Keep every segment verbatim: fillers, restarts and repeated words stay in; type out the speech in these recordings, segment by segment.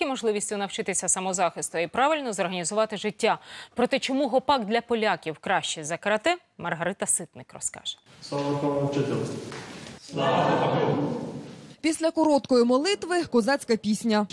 тільки можливістю навчитися самозахисту, а й правильно зорганізувати життя. Проте чому гопак для поляків краще за карате, Маргарита Ситник розкаже. Слава вчителю! Слава Богу! Після короткої молитви козацька пісня.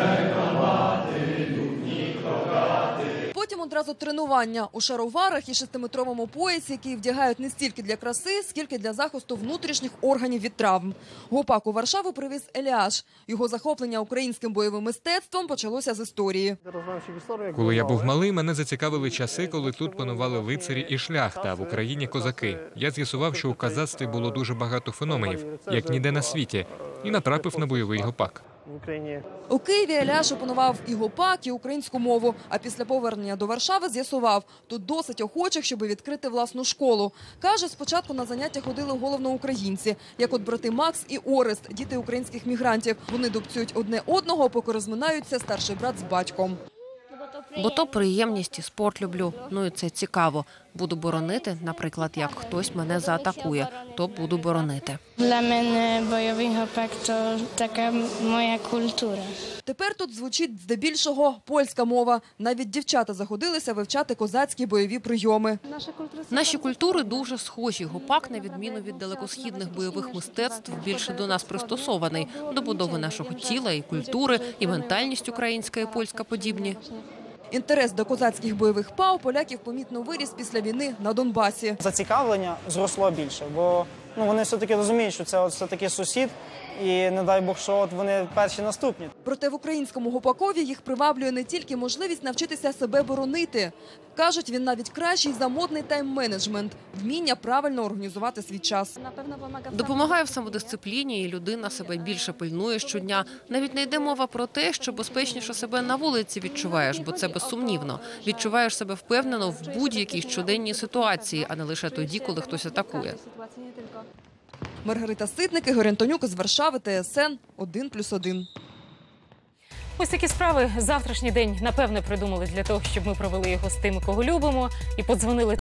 Потім одразу тренування у шароварах і шестиметровому поясі, який вдягають не стільки для краси, скільки для захисту внутрішніх органів від травм. Гопак у Варшаву привіз Еліаш. Його захоплення українським бойовим мистецтвом почалося з історії. Коли я був малий, мене зацікавили часи, коли тут панували лицарі і шляхта, а в Україні козаки. Я з'ясував, що у козацтві було дуже багато феноменів, як ніде на світі, і натрапив на бойовий гопак. У Києві Еляш опанував і гопак, і українську мову. А після повернення до Варшави з'ясував, тут досить охочих, щоб відкрити власну школу. Каже, спочатку на заняття ходили головно українці, як от брати Макс і Орест, діти українських мігрантів. Вони дубцюють одне одного, поки розминаються старший брат з батьком. Бо то приємність і спорт люблю. Ну і це цікаво. Буду боронити, наприклад, як хтось мене заатакує, то буду боронити. Для мене бойовий гопак – це така моя культура. Тепер тут звучить здебільшого польська мова. Навіть дівчата заходилися вивчати козацькі бойові прийоми. Наші культури дуже схожі. Гопак, на відміну від далекосхідних бойових мистецтв, більше до нас пристосований. До будови нашого тіла і культури, і ментальність українська і польська подібні. Інтерес до козацьких бойових па у поляків помітно виріс після війни на Донбасі. Зацікавлення зросло більше, бо ну, вони все-таки розуміють, що це все-таки сусід, і не дай Бог, що от вони перші наступні. Проте в українському гопакові їх приваблює не тільки можливість навчитися себе боронити. Кажуть, він навіть кращий за модний тайм-менеджмент – вміння правильно організувати свій час. Допомагає в самодисципліні, і людина себе більше пильнує щодня. Навіть не йде мова про те, що безпечніше себе на вулиці відчуваєш, бо це безсумнівно. Відчуваєш себе впевнено в будь-якій щоденній ситуації, а не лише тоді, коли хтось атакує. Маргарита Ситник, Ігор Антонюк з Варшави, Т С Н один плюс один. Ось такі справи завтрашній день, напевне, придумали для того, щоб ми провели його з тими, кого любимо, і подзвонили